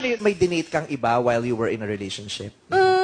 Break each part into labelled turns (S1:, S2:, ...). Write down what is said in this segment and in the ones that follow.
S1: May dinate kang iba while you were in a relationship?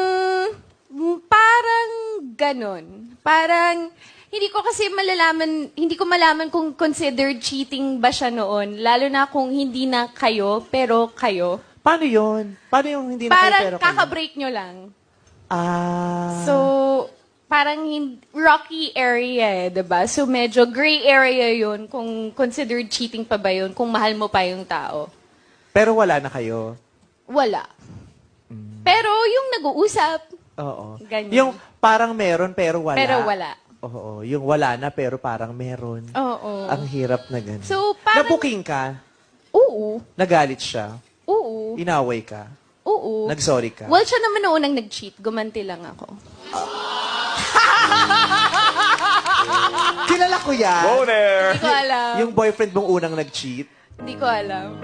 S2: Parang ganon. Parang, hindi ko malaman kung considered cheating ba siya noon. Lalo na kung hindi na kayo, pero kayo.
S1: Paano yun? Paano yung hindi na kayo
S2: Parang
S1: pero kayo?
S2: kaka-break nyo lang.
S1: Ah.
S2: So, parang rocky area diba? So, medyo gray area yun kung considered cheating pa ba yun, kung mahal mo pa yung tao.
S1: Pero wala na kayo?
S2: Wala. Pero yung nag-uusap,
S1: Oo.
S2: ganyan.
S1: Yung parang meron pero wala.
S2: Pero wala.
S1: Oo. Yung wala na pero parang meron.
S2: Oo.
S1: Ang hirap na ganun.
S2: So, parang...
S1: Nabuking ka?
S2: Oo.
S1: Nagalit siya?
S2: Oo.
S1: Inaway ka?
S2: Oo.
S1: Nagsorry ka?
S2: Well, siya naman noon ang nag-cheat. Gumanti lang ako.
S1: Kilala ko yan.
S3: Go there!
S2: Hindi ko alam.
S1: Yung boyfriend mong unang nag-cheat?
S2: Hindi ko alam.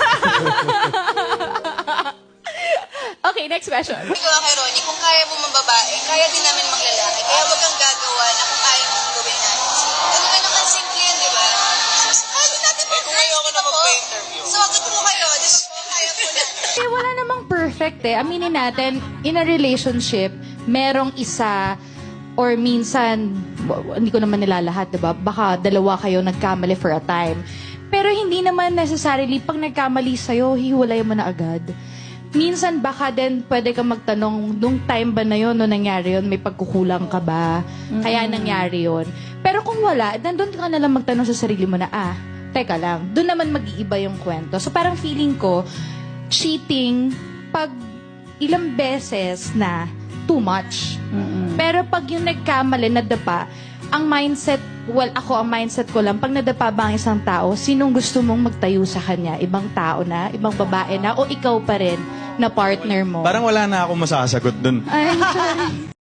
S2: Okay, next question.
S4: Ikaw kay Ronnie, kung kaya mo mambabae, kaya din namin maglalaki. Kaya wag kang gagawa na kung kaya mong gawin natin. Ganun ang simple yan, di ba? Kaya din natin mga
S3: kung ngayon ako na magpa-interview.
S4: So, agad po kayo, di ba po? Kaya po na.
S5: Eh, wala namang perfect eh. Aminin natin, in a relationship, merong isa or minsan, hindi ko naman nilalahat, diba? Baka dalawa kayo nagkamali for a time. Pero hindi naman necessarily, pag nagkamali sa'yo, hiwalay mo na agad. Minsan baka din pwede kang magtanong, nung time ba na yun, nung nangyari yun, may pagkukulang ka ba? Kaya nangyari yun. Pero kung wala, nandun ka na lang magtanong sa sarili mo na, teka lang, doon naman mag-iiba yung kwento. So parang feeling ko, cheating, pag ilang beses na, too much. Pero pag yung nagkamali, nadapa, ang mindset, ang mindset ko lang, pag nadapa ba ang isang tao, sinong gusto mong magtayo sa kanya? Ibang tao na? Ibang babae na? O ikaw pa rin na partner mo?
S6: Parang wala na akong masasagot dun.
S5: Ay, sorry.